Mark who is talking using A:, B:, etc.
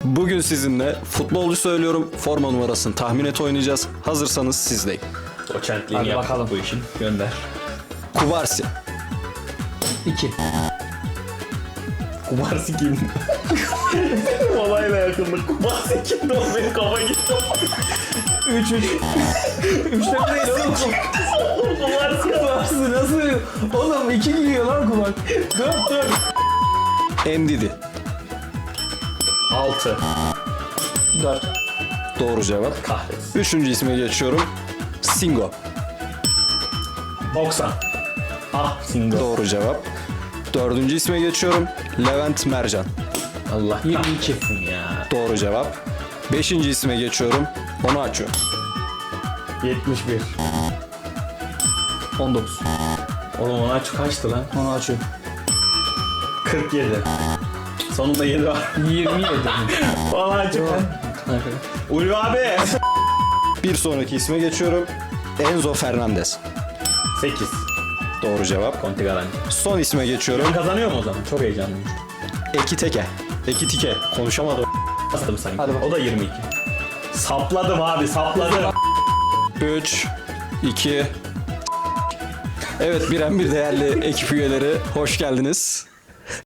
A: Bugün sizinle futbolcu söylüyorum, forma numarasını tahmin et oynayacağız. Hazırsanız sizdeyim.
B: Doçentliğini
C: Hadi
B: yaptık
C: bakalım.
B: bu işin. Gönder.
A: Kubarsi,
C: 2.
B: Kubarsi kim? Olayla yakınlık. Kubarsi kimdi o? Benim kafa gitti.
C: 3. 3'te değil oğlum.
B: Kubarsi ya.
C: Kubarsı nasıl? Oğlum 2 giriyor lan kulak. 4.
A: Ndidi.
B: 6.
C: 4.
A: Doğru cevap.
B: Kahretsin.
A: Üçüncü isme geçiyorum. Singo.
B: 90. Ah single.
A: Doğru cevap. Dördüncü isme geçiyorum. Levent Mercan.
B: Allah 22 ya.
A: Doğru cevap. Beşinci isme geçiyorum. Onu açıyorum.
B: 71.
C: 19.
B: Oğlum ona kaçtı lan?
C: Onu açıyorum.
B: 47. Sonunda 7 var.
C: 27.
B: Valla açık. Ulvi abi.
A: Bir sonraki isme geçiyorum. Enzo Fernandez.
B: 8.
A: Doğru cevap.
B: Conti Garanti.
A: Son isme geçiyorum.
B: Ben kazanıyor mu o zaman? Çok heyecanlıyım.
A: Ekiteke. Ekitike. Konuşamadım.
B: Bastım sanki.
C: Hadi bakalım.
B: O da 22. Sapladım abi sapladım.
A: 3, 2... Evet, Biren bir değerli ekip üyeleri. Hoş geldiniz.